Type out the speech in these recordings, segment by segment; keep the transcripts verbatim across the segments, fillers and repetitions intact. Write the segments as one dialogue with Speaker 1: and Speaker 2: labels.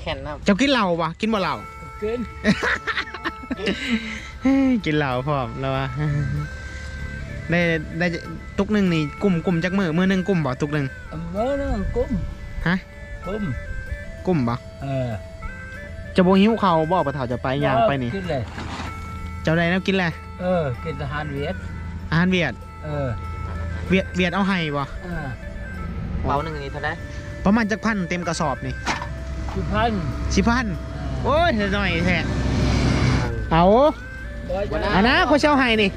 Speaker 1: ข็งนะ
Speaker 2: เจ้ากินเหล้าปะกินบ่เหล้า
Speaker 3: กิน
Speaker 2: กินเหล้าพร้อมแล้ววะได้ได้ตุกหนึ่งนี่กลุ่มกลุ่มจักมือมือหนึ่งกลุ่มบ่ตุกหนึ่ง
Speaker 3: มือหนึ่งกุ้ม
Speaker 2: ฮะ
Speaker 3: กุ้ม
Speaker 2: กลุ่มบ่
Speaker 3: เออ
Speaker 2: จะโบหิวเขาบอกปะเถาจะไปย่างไปนี่
Speaker 3: กินเลย
Speaker 2: เจ้าใดแล้วกินแหละ
Speaker 3: เออกินอาหารเวียด
Speaker 2: อาหารเวียด
Speaker 3: เออ
Speaker 2: เวียดเวียดเอาให้บ่
Speaker 1: เป๋าหนึ่งนี่เท่าไร
Speaker 2: ประมาณจักพันเต็มกระสอบนี่
Speaker 3: สิบพัน
Speaker 2: สิบพันโอ้ยหน่อยแท้เอาเอานะเขาเช่าให้นี่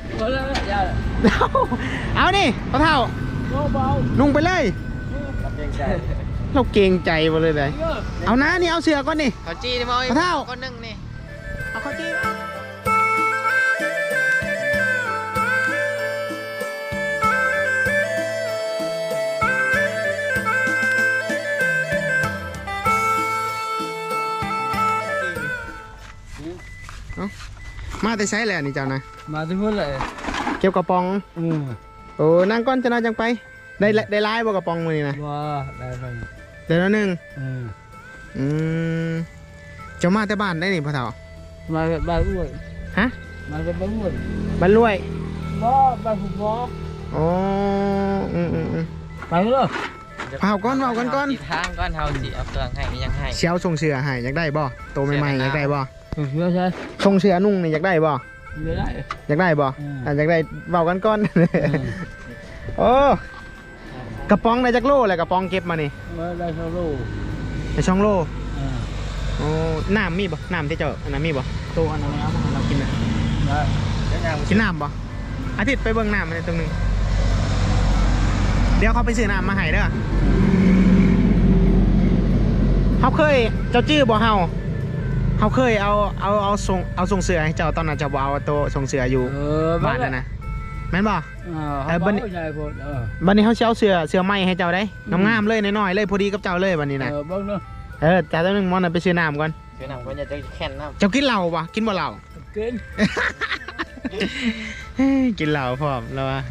Speaker 2: เอานี่ปะเถานุ่งไปเลยเราเกรงใจมาเลยเลยเอานะนี่เอาเสือก่อนนี่
Speaker 1: เขาจี้นี่มั้ย
Speaker 2: ปะเถา
Speaker 1: ก้อนหนึ่งนี่
Speaker 2: เอาเขาจี้มาแต่ใช้แหละนี่เจ้านะ
Speaker 3: มาที่พูดเลย
Speaker 2: เก็บกระป๋อง
Speaker 3: อืม
Speaker 2: โอ้นั่งก้อนจะน่าจังไปได้ได้ไล่บ่กระป๋องมือนี่นะ
Speaker 3: ว้าได้ไป
Speaker 2: เดี๋ยวนึง
Speaker 3: อืม
Speaker 2: อืมจะมาแต่บ้านได้นี่พ่อเฒ่า
Speaker 3: มาบ้านรวย
Speaker 2: ฮะ
Speaker 3: มาจากบ้านรวย
Speaker 2: บ้านรวย
Speaker 3: บ่บ้านผมบ่
Speaker 2: อ๋ออืมอืมอืม
Speaker 3: ไปเลย
Speaker 2: เผาก้อนเผาก้อนก้อน
Speaker 1: ทางก้อนเฮาสิเอาเครื่องให้ยังให้
Speaker 2: เชียวส่งเสือให้อยากได้บ่โตใหม่ๆอยากได้บ่
Speaker 3: ส่งเสือใช่
Speaker 2: ส่งเสือนุ่งนี่อยากได้บ่
Speaker 3: ไม่ได้
Speaker 2: อยากได้บ่อ่าอยากได้เผาก้อนก้อนโอ้กระป๋องในจักโลอะไรกระป๋องเก็บมานี่
Speaker 3: ได้ช่องโล
Speaker 2: ในช่องโลโอ้น้ำมีบ่น้ำที่เจ้าอันนั้นมีบ่ตัวอันนั้นเรากินนะกินน้ำบ่อาทิตย์ไปเบิ่งน้ำมันตรงนึงเดี๋ยวเขาไปซื้อน้ำมาให้เด้อเขาเคยเจ้าจื้อบ่เฮาเขาเคยเอาเอาเอาส่งเอาส่งเสือให้เจ้าตอนนั้นเจ้าบ่เอาตัวส่งเสืออยู่บ้านนั่นนะแม่นบ่
Speaker 3: เออบันนี้
Speaker 2: บันนี้เขาเช่าเสือเสือไม้ให้เจ้าได้งามๆเลยน้อยๆเลยพอดีกับเจ้าเลยบันนี้นะ
Speaker 3: เออบ้างเนาะ
Speaker 2: เออจ่ายตัวนึงมอนไปซื้อน้ำก่อน
Speaker 1: ซื้อน้ำก่อนจะแข็งน้ำ
Speaker 2: เจ้ากินเหล้าปะกินบ่เหล้า
Speaker 3: กิน
Speaker 2: กินเหล้าพร้อมแล้ววะ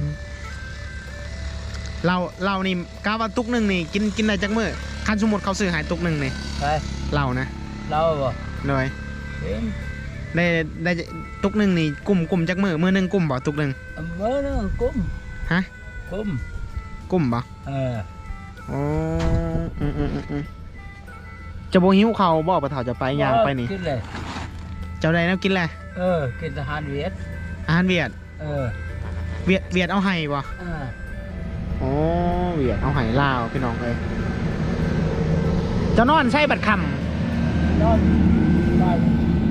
Speaker 2: เหล้าเหล้านี่กาว่าตุกหนึ่งนี่กินกินได้จักมื้อคันสมมุติเขาซื้อหายตุกหนึ่งนี่เหล้านะ
Speaker 3: เหล้าบ่
Speaker 2: เลยได้ได้ตุกหนึ่งนี่กลุ่มกลุ่มจักมื้อมื้อหนึ่งกลุ่มบ่ตุกหนึ่ง
Speaker 3: มื้อหนึ่งกลุ่ม
Speaker 2: ฮะ
Speaker 3: กลุ่ม
Speaker 2: กลุ่มบ่
Speaker 3: เออ
Speaker 2: อ๋ออืมอืมอืมจะโบหิวเขาบอกปะเถาจะไปย่างไปนี่
Speaker 3: กินเลย
Speaker 2: เจ้าใดแล้วกินแหละ
Speaker 3: เออกินอาหารเวียด
Speaker 2: อาหารเวียด
Speaker 3: เออ
Speaker 2: เวียดเวียดเอาไห้บ่อ๋อเวียดเอาไห้ลาวพี่น้องเลยเจ้านอนใช่บัดค
Speaker 3: ำนอนบ้าน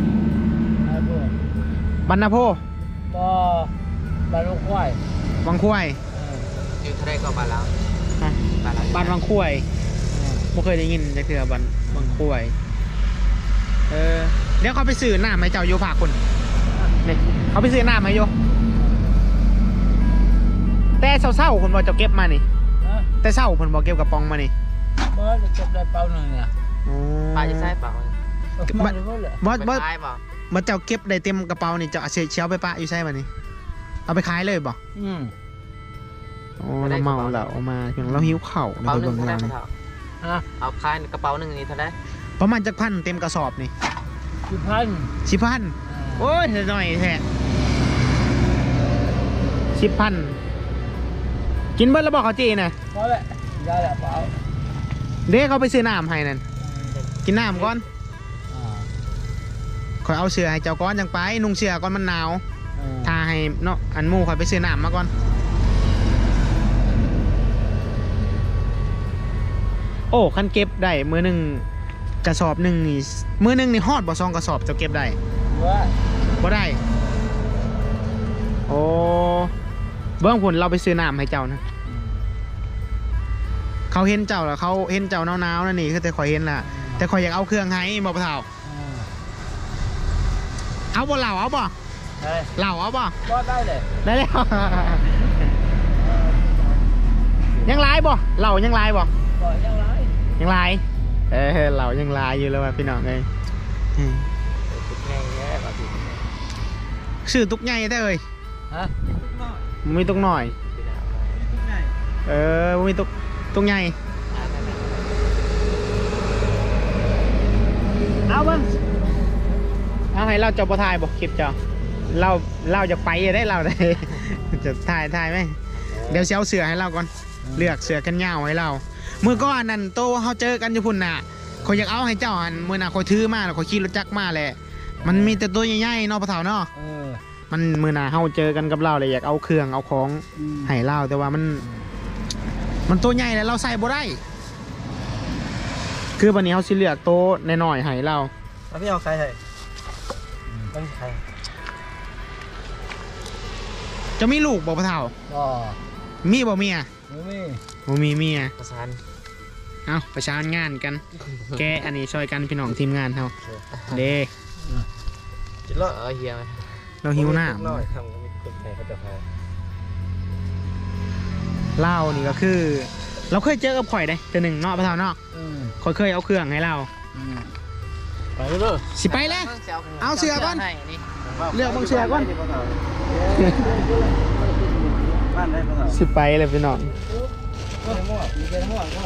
Speaker 2: บรรณโพ
Speaker 3: ก็บ้านวังควาย
Speaker 2: วังควาย
Speaker 1: อยู่ทะเลก็บ้านเรา
Speaker 2: บ้านวังควายไม่เคยได้ยินจะเถื่อบ้านวังควายเออเดี๋ยวเขาไปซื้อหน้าไหมเจ้าโยภาคุณนี่เขาไปซื้อหน้าไหมโยแต่เศร้าๆคนบอกจะเก็บมานี่แต่เศร้าคนบอกเก็บกระป๋องมานี่
Speaker 3: บอสจะเก็บได้เปล่าหนึ่งเนี่ย
Speaker 1: ปลาจะใช่เปล่า
Speaker 2: บอสบอสบอสบอสเจ้าเก็บได้เต็มกระเป๋านี่เจ้าเชียวไปปะอยู่ใช่ป่ะนี่เอาไปขายเลยบ่
Speaker 3: อืม
Speaker 2: โอ้เราเมาแล้วเอามาเพียงเราหิวเข่า
Speaker 1: เราไปเบิ่งงานเอาคายกระเป๋าหนึ่งนี่เท่าไร
Speaker 2: ประมาณจักพันเต็มกระสอบนี่
Speaker 3: สิบพัน
Speaker 2: สิบพันโอ้ยหน่อยแท้สิบพันกินเบิ้ลแล้วบอกเขาจีนะ
Speaker 3: พอแล้วได้แล้วเปล่า
Speaker 2: เด็กเขาไปซื้อน้ำให้นั่นกินน้ำก่อนคอยเอาเสื้อให้เจ้าก้อนจังไปนุ่งเสื้อก่อนมันหนาวทาให้เนาะอันมูคอยไปซื้อน้ำมาก่อนโอ้คันเก็บได้มือหนึ่งกระสอบหนึ่งนี่มือหนึ่งนี่ฮอดบ่ซองกระสอบจะเก็บได้บ่ได้โอ้เบื้องผลเราไปซื้อน้ำให้เจ้านะเขาเห็นเจ้าแล้วเขาเห็นเจ้าหนาวๆนั่นนี่คือแต่คอยเห็นล่ะแต่คอยอยากเอาเครื่องให้บ่ปะเฒ่าเอาบ่เหล่าเอาบ่เหล่าเอาบ่
Speaker 3: ก็ได้เลย
Speaker 2: ได้แล้วยังไล่บ่เหล่ายังไล่บ่
Speaker 3: ยังไล่
Speaker 2: ยังไล่เออเหล่ายังไล่อยู่แล้วพี่น้องเลยชื่อตุกใหญ่ได้เลย
Speaker 3: ฮะ
Speaker 2: มีตุกหน่อยเออมีตุกตุกใหญ่เบิ้งเอาให้เราเจ้าบ่ถ่ายบ่คลิปเจ้าเราเราจะไปได้เราได้ จะถ่ายถ่ายไหมเดี๋ยวเช้าเสือให้เราก่อนเลือกเสือกันยาวให้เราเมื่อก่อนนั่นโตเขาเจอกันอยู่พุ่นน่ะเขาอยากเอาให้เจ้าหันเมื่อน่ะเขาถือมาแล้วเขาขี่รถจักรมาแหละมันมีแต่ตัวใหญ่ๆเนาะพ่อเฒ่าเนาะ
Speaker 3: เออ
Speaker 2: มันมือหนาเขาเจอกันกับเราเลยอยากเอาเครื่องเอาของ
Speaker 3: อืม
Speaker 2: ให้เราแต่ว่ามัน มันตัวใหญ่แล้วเราใส่บ่ได้ คือวันนี้เขาสิเลือกโต๊ะน้อยๆให้เรา
Speaker 1: แล้วพี่เอาใครให้ต้องใคร
Speaker 2: จะมีลูกบ่พ่อเฒ่า
Speaker 3: ก็
Speaker 2: มีบ่เมีย
Speaker 3: ไม่มี
Speaker 2: บ่มีเมีย
Speaker 1: ประสาน
Speaker 2: เอาประชานงานกัน แกอันนี้ช่วยกันพี่น้องทีมงานเขาเด้
Speaker 1: จิตรอดเออเฮียไหม
Speaker 2: เราหิวหน้า
Speaker 1: น้อยทำก็มีคนใครเขาจะพา
Speaker 2: เล่านี่ก็คือ เราเคยเจอกับข่อยได้แต่หนึ่งเนาะพ่อเฒ่าเนาะ
Speaker 3: อืม
Speaker 2: ข่อยเคยเอาเครื่องให้เรา
Speaker 3: อืม
Speaker 1: ไปเลย
Speaker 2: สิไปแล้ว เอาเสือก่อน เลือกบางเสือก่อน
Speaker 1: บ้านได้ปะ
Speaker 2: สิไปเลยพี่น้อง
Speaker 3: มีแค่ทั้งหมดก็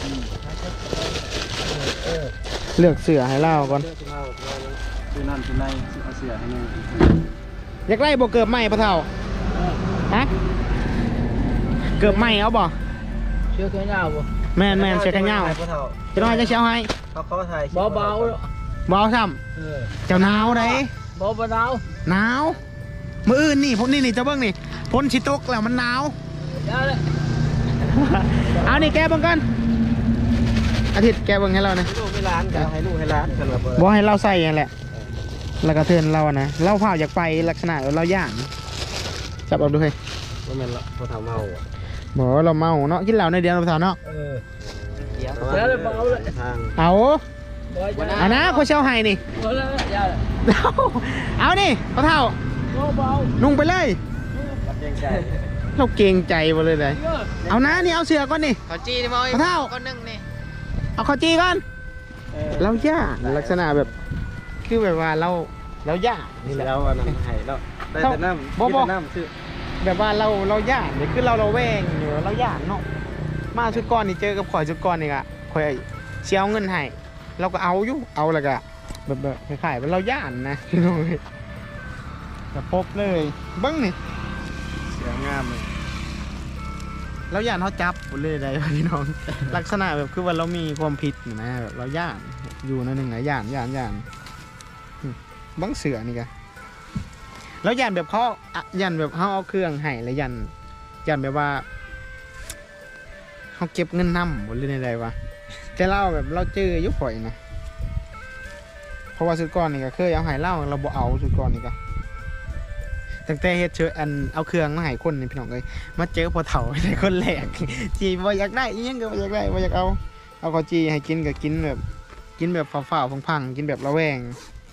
Speaker 2: เลือกเสือให้เราก่อน
Speaker 1: คือนั่นคือในเอาเสือให้นี่
Speaker 2: อยากไล่บ่เกิบไหมพ่อเฒ่าฮะเกิบไหมเอาบ่
Speaker 3: เชื่อแค่ยาวบ่
Speaker 2: แม่นแม่นเชือกแขนยาวจะน้อยจะเชียวให้
Speaker 1: เขาเขาถ่าย
Speaker 3: เบาเบา
Speaker 2: บ่เอาซ้
Speaker 3: เออ
Speaker 2: ำเจ้าหนาวได้
Speaker 3: เบาเบา
Speaker 2: หนาวมื้ออื่นนี่ผมนี่นี่เจ้าเบิ่งนี่พ้นชิตกแล้วมันหนาว
Speaker 3: ยาเลย
Speaker 2: เอานี่แกเบิ่งกันอาทิตย์แกเบิ่งให้เรานะ
Speaker 1: ลูกให้ร้านกันให้ลูกให้ร้านกันระเบิด
Speaker 2: บ่ให้เราใส่อย่างแหละแล้วก็เทินเราอะนะเราเผาอยากไปลักษณะเราย่างจับเอาดูให้
Speaker 1: ว่ามันละพอทำเมาอ่ะ
Speaker 2: บ่เราเมาเนาะกินเหล้าในเดียวเราเผาเนาะ
Speaker 3: เออ
Speaker 1: เดี๋ยว
Speaker 3: เดี๋ยวเลยเบาเลย
Speaker 1: ทาง
Speaker 2: เอา
Speaker 3: บ่อย
Speaker 2: เอานะเขาเชียวให้นี่
Speaker 3: เบาเลยยาเลย
Speaker 2: เอาเอานี่พ่อเฒ่า
Speaker 3: เบาเบา
Speaker 2: นุ่งไปเลย
Speaker 1: รับเกรงใจ
Speaker 2: เราเกรงใจมาเลยเลย
Speaker 3: เยอะ
Speaker 2: เอานะนี่เอาเสือก่อนนี่
Speaker 1: เขาจี้นี่มั้ย
Speaker 2: พ่อเฒ่า
Speaker 1: ก้อนนึงนี่
Speaker 2: เอาข้าวจีก่อนเราย่าลักษณะแบบคือแบบว่าเราเราย่านี่แหละ
Speaker 1: แล้วอันนั้นให้แล้วได้แต่น้ำ
Speaker 2: บ่บ่
Speaker 1: น้ำซื้อ
Speaker 2: แบบว่าเราเราย่าเนี่ยคือเราเราแวงอยู่เราย่าเนาะมาชุดก่อนนี่เจอกับข่อยชุดก่อนนี่กะข่อยเชียวเงินให้เราก็เอาอยู่เอาแล้วก็แบบแบบคล้ายๆว่าเราย่านนะพี่น้องจะพบเลยเบิ้งนี่
Speaker 1: เสียงามเลย
Speaker 2: เราย่านเขาจับหมดเลยได้พี่น้อง ลักษณะแบบคือว่าเรามีความผิดนะแบบเราย่านอยู่นั่นหนึ่งนะย่านย่านย่านอืมเบังเสือนี่กะแล้วย่านแบบเขาอะย่านแบบเขาเอาเครื่องให้แล้วย่านย่านแบบว่าเขาเก็บเงินนำหมดเลยในใดวะแต่เราแบบเราเจออยุคข่อยนะเพราะว่าสุดก่อนนี่ก็เคยเอาให้เล่าเราบ่เอาสุดก่อนนี่ก็ตั้งแต่เฮ็ดเชิญอันเอาเครื่องมาให้คนนี่พี่น้องเอ้ยมาเจอพอเฒ่าในคนแรก จีบ่อยากได้อีหยังก็บ่อยากได้บ่อยากเอาเอาข้าวจีให้กินก็กินแบบกินแบบฝ่าวๆพังๆกินแบบระแวง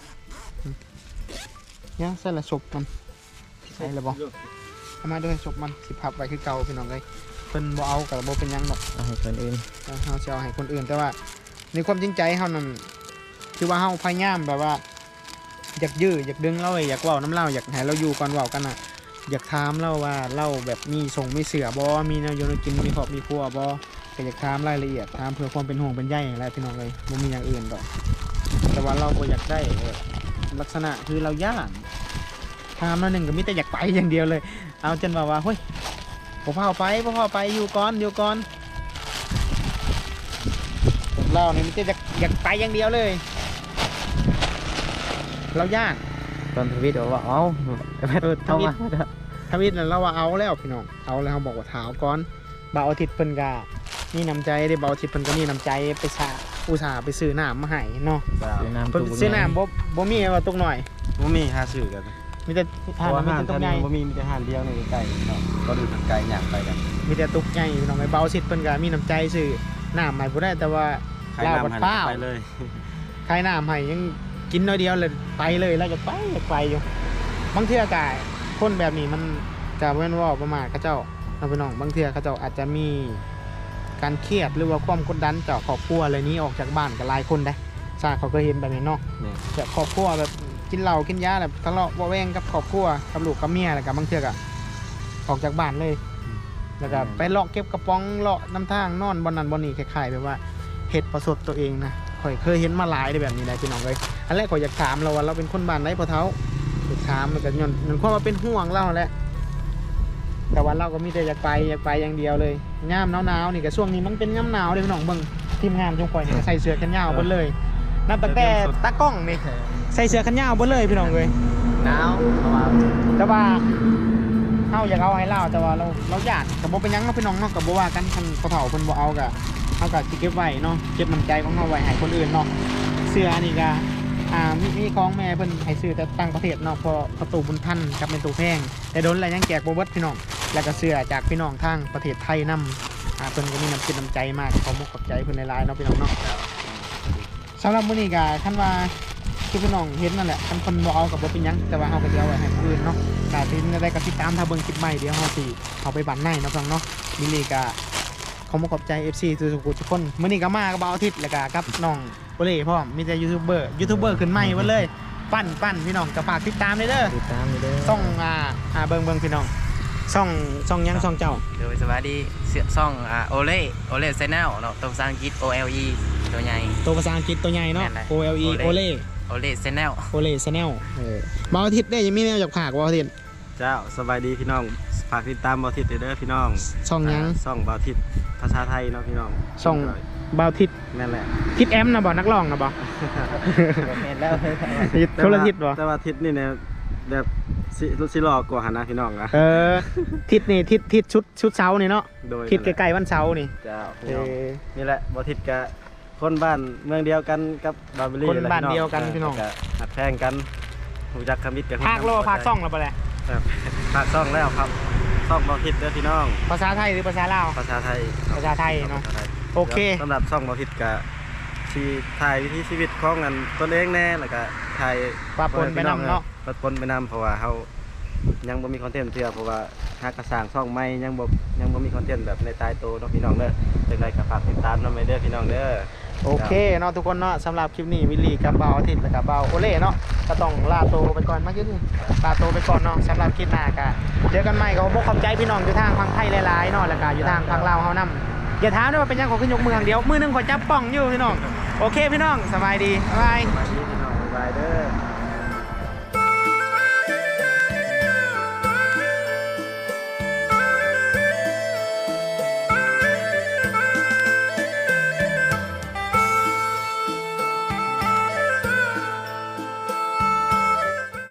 Speaker 2: เนี่ยใส่ละศพมันใส่ละบ่เอามาด้วยศพมันสิพับไว้คือเก่าพี่น้องเอ้ยเพิ่นบ่เอาก็บ่เป็นหยังดอก
Speaker 1: เอาให้คนอื่น
Speaker 2: เฮาจะเอาให้คนอื่นแต่ว่าในความจริงใจเฮานั่นคือว่าเฮาพยายามแบบว่าอยากยื้ออยากดึงเราไว้อยากเว้าน้ำเล่าอยากให้เราอยู่ก่อนเว้ากันน่ะอยากถามเราว่าเราแบบมีส่งมีเสือบ่มีแนวอยู่ในกินมีครอบมีครัวบ่ก็อยากถามรายละเอียดถามเพื่อความเป็นห่วงเป็นใยนั่นแหละพี่น้องเลยบ่มีอย่างอื่นดอกแต่ว่าเราบ่อยากได้แบบลักษณะคือเราย่านถามมาหนึ่งก็มีแต่อยากไปอย่างเดียวเลย เอาจนว่าว่าเฮ้ยบ่พาไปบ่พาไปอยู่ก่อนอยู่ก่อนเรานี่มันจะอยากอยากไปอย่างเดียวเลยเราย่าน
Speaker 1: ตอนทวิตบอกว่าเอ้า
Speaker 2: เออทวิตทวิตนั่นเราว่าเอาแล้วพี่น้องเอาแล้วเขาบอกว่าถาวก่อนบ่าวอาทิตย์เพิ่นก็มีน้ำใจได้บ่าวอาทิตย์เพิ่นก็มีน้ำใจไปสาอุตส่าห์ไปซื้อน้ำมาให้เนาะ
Speaker 1: ซื้อน้ำ
Speaker 2: เพิ่นซื้อน้ำบ่บ่มีว่าตกหน่อย
Speaker 1: บ่มีหาซื้อกัน
Speaker 2: มีแต่ทานมีแต่ตกใหญ่
Speaker 1: บ่มีมีแต่หานเดียวในไก่เนาะก็ดูทางไก่ย่างไปกัน
Speaker 2: มีแต่ตกใหญ่พี่น้องไอ้บ่าวอาทิตย์เพิ่นก็มีน้ำใจซื้อน้ำให้บ่ได้แต่ว่า
Speaker 1: ใคร
Speaker 2: ลาว
Speaker 1: นำ
Speaker 2: บัด
Speaker 1: หัน
Speaker 2: เป้า
Speaker 1: ไปเลย
Speaker 2: ขายน้ำให้ยังกินน้อยเดียวเลยไปเลยแล้วจะไปอยากไปอยู่บางเทื่อกายคนแบบนี้มันจะเว้นว่าประมาทเขาเจ้าเราไปน้องบางเทื่อเขาเจ้าอาจจะมีการเครียดหรือว่าความกดดันจากครอบครัวอะไรนี้ออกจากบ้านกับหลายคนได้ซาเขาก็เห็นแบบนี้เนาะ
Speaker 1: นี่
Speaker 2: แบบครอบครัวแบบกินเหล้ากินยาแบบทะเลาะเบาะแวงกับครอบครัวกับลูกกับเมียอะไรกับบางเทื่อก็ออกจากบ้านเลยแล้วก็ไปเลาะเก็บกระป๋องเลาะน้ำทางนอนบนนั้นบนนี้คล้ายๆแบบว่าเหตุประสบตัวเองนะคข่อยเคยเห็นมาหลายในแบบนี้ได้พี่น้องเลยอันแรกข่อยอยากถามเราว่าเราเป็นคนบ้านไหนพอเท้าอยากถามมันก็ย้อนมันความว่าเป็นห่วงเราแหละแต่ว่าเราก็มีแต่อยากไปอยากไปอย่างเดียวเลยย่ามหนาวๆนี่ก็ช่วงนี้มันเป็นย่ำหนาวเลยพี่น้องเบิ่งทีมงานจงข่อยนี่ก็ใส่เสื้อแขนยาวหมดเลยนับตั้งแต่ตากล้องนี่ใส่เสื้อแขนยาวหมดเลยพี่น้องเลย
Speaker 1: หนาวเพราะว่า
Speaker 2: แต่ว่าเฮาอยากเอาให้เราแต่ว่าเราเราอยากกับบ่เป็นหยังเนาะพี่น้องเนาะกับบ่ว่ากันคันเขาเฒ่าเพิ่นบ่เอาก็เฮาก็สิเก็บไว้เนาะเก็บน้ำใจของเฮาไว้ให้คนอื่นเนาะเสื้อนี่ก็อ่ามีมีของแม่เพิ่นให้ซื้อแต่ต่างประเทศเนาะเพอประตูบุญทันกับเป็นตู้แพงแต่โดนแล้วยังแจกบ่เบิดพี่น้องแล้วก็เสื้อจากพี่น้องทางประเทศไทยนำอ่าเพิ่นก็มีน้ำจิตน้ำใจมากขอมุกขอบใจเพิ่นหลายๆเนาะพี่น้องเนาะสำหรับมื้อนี้ก็คันว่าคือพี่น้องเห็นนั่นแหละคันเพิ่นบ่เอาก็บ่เป็นหยังแต่ว่าเฮาก็สิเอาไว้ให้คนอื่นเนาะแต่ที่นี่ได้ก็ติดตามถ้าเบิ่งคลิปใหม่เดี๋ยวเฮาสิเอาไปบันในเนาะพี่น้องเนาะมิลลี่ก็ขอมุกขอบใจ เอฟ ซี ทุกๆทุกคนมื้อนี้ก็มากับบ่าวอาทิตย์แล้วก็กับน้องโอเล่พร้อมมีแต่ยูทูบเบอร์ยูทูบเบอร์ขึ้นใหม่หมดเลยปั้นปั้นพี่น้องก็ฝากติดตามเลยเด้อ
Speaker 1: ติดตามเด้อ
Speaker 2: ช่องอ่าอ่าเบิ่งเบิ่งพี่น้องช่องช่องหยังช่องเจ้า
Speaker 1: โดยสวัสดีเสียซ่องอ่าโอเล่โอเล่แนลเนาะตัวภาษาอังกฤษ O L E ตัวใหญ่
Speaker 2: ตัวภาษาอังกฤษตัวใหญ่เนาะ
Speaker 1: แม่นเลย
Speaker 2: O L E โอเล่
Speaker 1: โอเล่แนล
Speaker 2: โอเล่ชาแนลเออบ่าวอาทิตย์ได้ยังมีแนวอยากฝากบ่าวอาทิตย์
Speaker 4: เจ้าสบายดีพี่น้องฝากติดตามบอทิตเด้อพี่น้อง
Speaker 2: ช่องหยัง
Speaker 4: ช่องบอทิตภาษาไทยเนาะพี่น้อง
Speaker 2: ช่องบ่าวอาทิตย์
Speaker 4: นั่นแหละ
Speaker 2: ทิศแอมนะบ่นักร้องนะบ่
Speaker 1: เห็นแล้ว
Speaker 2: ทิศคนละทิศบ่
Speaker 4: แต่ว่าทิศนี่เนี่ยแบบสิสิหลอกกว่าหันนะพี่น้องอะ
Speaker 2: เออทิศนี่ทิศทิศชุดชุดเช้านี่เนาะ
Speaker 4: โดย
Speaker 2: ทิศใกล้ๆวันเช้านี่
Speaker 4: เจ้า
Speaker 2: เอ
Speaker 4: พี่น้อง
Speaker 2: อ
Speaker 4: นี่แหละบอทิตกับคนบ้านเมืองเดียวกันกับบาร์เบอรี่
Speaker 2: คนบ้านเดียวกันพี่น้อง
Speaker 4: ก็หัดแพงกันรู้จักคำมิตรกัน
Speaker 2: ภาคโลภาคซ่องแล้วบ่แหละ
Speaker 4: ครับภาคซ่องแล้วครับซ่องบอทิตเด้อพี่น้อง
Speaker 2: ภาษาไทยหรือภาษาลาว
Speaker 4: ภาษาไทย
Speaker 2: ภาษาไทยเนาะ
Speaker 4: ภษไทย
Speaker 2: โอเค
Speaker 4: สำหรับซ่องบอทิตกับที่ถ่ายวิถีชีวิตของกันตนเองแน่แล้วก็ถ่าย
Speaker 2: ปะปนไปนำเนาะ
Speaker 4: ปะปนไปนำเพราะว่าเฮายังบ่มีคอนเทนต์เทื่อเพราะว่าหากกระสร้างช่องใหม่ยังบ่ยังบ่มีคอนเทนต์แบบในตายโตเนาะพี่น้องเด้อจังไดก็ฝากติดตามนำไปเด้อพี่น้องเด้อ
Speaker 2: โอเคเนาะทุกคนเนาะสำหรับคลิปนี้วิลลี่กับเบาอาทิตย์และกับเบาโอเล่เนาะก็ต้องลาโตวไปก่อนมาขึ้นลาโตวไปก่อนเนาะสำหรับคลิปหน้าก็เจอกันใหม่ก็ขอบอกขอบใจพี่น้องอยู่ทางฝั่งไทยหลายๆเนาะแล้วก็อยู่ทางฝั่งลาวเฮานํอย่าถามด้วยว่าเป็นหยังขอขึ้นยกมืออย่างเดียวมือหนึงขอจับป่องอยู่พี่น้องโอเคพี่น้องสบายดีบ๊ายบาย
Speaker 4: สวัสดีพี่น้องบ๊ายบายเด้อ